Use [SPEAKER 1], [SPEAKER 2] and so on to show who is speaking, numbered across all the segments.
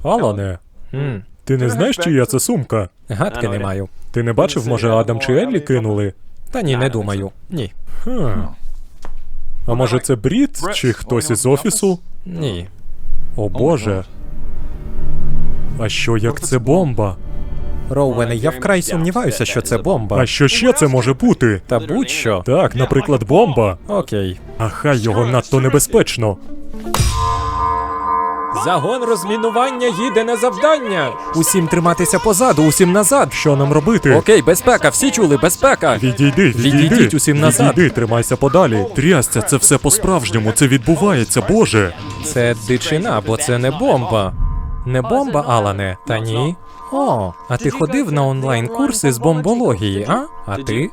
[SPEAKER 1] Алане, ти не знаєш, чия це сумка?
[SPEAKER 2] Гадки не маю.
[SPEAKER 1] Ти не бачив, може, Адам чи Еллі кинули?
[SPEAKER 2] Та ні, не думаю. Ні.
[SPEAKER 1] А може це Брід чи хтось із офісу?
[SPEAKER 2] Ні.
[SPEAKER 1] О боже. А що як це бомба?
[SPEAKER 2] Роуене, я вкрай сумніваюся, що це бомба.
[SPEAKER 1] А що ще це може бути?
[SPEAKER 2] Та будь-що.
[SPEAKER 1] Так, наприклад, бомба.
[SPEAKER 2] Окей.
[SPEAKER 1] А хай його надто небезпечно.
[SPEAKER 2] Загон розмінування їде на завдання. Усім триматися позаду, усім назад.
[SPEAKER 1] Що нам робити?
[SPEAKER 2] Окей, безпека, всі чули, безпека.
[SPEAKER 1] Відійди.
[SPEAKER 2] Відійдіть усім назад.
[SPEAKER 1] Відійди, тримайся подалі. Трясця, це все по-справжньому, це відбувається, боже.
[SPEAKER 2] Це дичина, бо це не бомба. Не бомба, Алане? Та ні. О, а ти ходив на онлайн-курси з бомбології, а? А ти?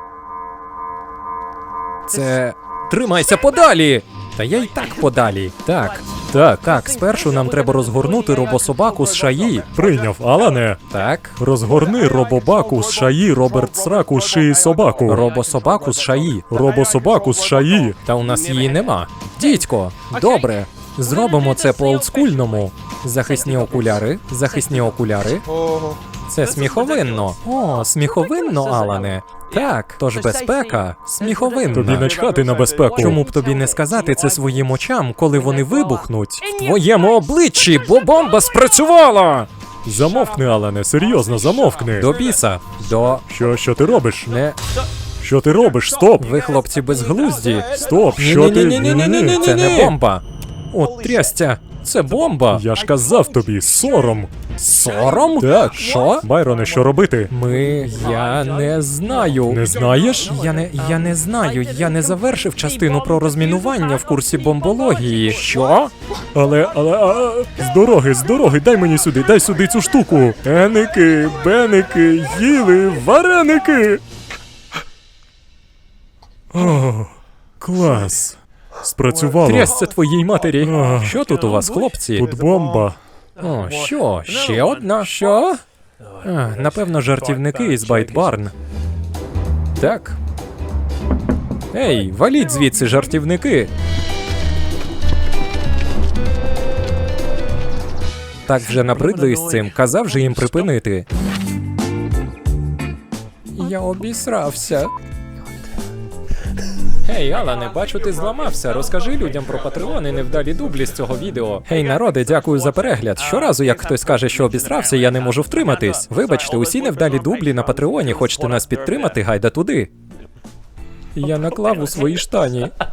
[SPEAKER 2] Це... Тримайся подалі! Та я й так подалі. Так, спершу нам треба розгорнути робособаку з шаї.
[SPEAKER 1] Прийняв, Алане.
[SPEAKER 2] Так,
[SPEAKER 1] Розгорни робобаку з шаї, Роберт Сраку з шиї собаку.
[SPEAKER 2] робособаку з шаї.
[SPEAKER 1] Робособаку з шаї.
[SPEAKER 2] Та у нас її нема. Дідько, добре. Зробимо це по олдскульному. Захисні окуляри, захисні окуляри. Це сміховинно. О, сміховинно, Алане. Так, тож безпека, сміховинна.
[SPEAKER 1] Тобі начхати на безпеку.
[SPEAKER 2] Чому б тобі не сказати це своїм очам, коли вони вибухнуть? В твоєму обличчі, бо бомба спрацювала!
[SPEAKER 1] Замовкни, Алане, серйозно, замовкни.
[SPEAKER 2] До біса. До...
[SPEAKER 1] Що ти робиш?
[SPEAKER 2] Не...
[SPEAKER 1] Що ти робиш? Стоп!
[SPEAKER 2] Ви, хлопці, безглузді.
[SPEAKER 1] Стоп, що ти?
[SPEAKER 2] Ні-ні-ні-ні-ні-ні-ні-ні. Це не бомба. О, трястя. Це бомба.
[SPEAKER 1] Я ж казав тобі, сором.
[SPEAKER 2] Сором?
[SPEAKER 1] Так.
[SPEAKER 2] Що?
[SPEAKER 1] Байроне, що робити?
[SPEAKER 2] Я не знаю.
[SPEAKER 1] Не знаєш?
[SPEAKER 2] Я не знаю. Я не завершив частину про розмінування в курсі бомбології. Що?
[SPEAKER 1] Але, з дороги, дай сюди цю штуку. Еники, беники, їли, вареники. О, клас. Спрацювало.
[SPEAKER 2] Трясся твоїй матері.
[SPEAKER 1] Ах.
[SPEAKER 2] Що тут у вас, хлопці?
[SPEAKER 1] Тут бомба.
[SPEAKER 2] О, що? Ще одна? Що? Напевно, жартівники із Байт-Барн. Так. Ей, валіть звідси, жартівники. Так вже набридли із цим, казав же їм припинити. Я обісрався. Гей, Алане, бачу, ти зламався. Розкажи людям про Патреон і невдалі дублі з цього відео. Гей, народе, дякую за перегляд. Щоразу, як хтось каже, що обісрався, я не можу втриматись. Вибачте, усі невдалі дублі на Патреоні. Хочете нас підтримати, гайда туди. Я наклав у свої штані.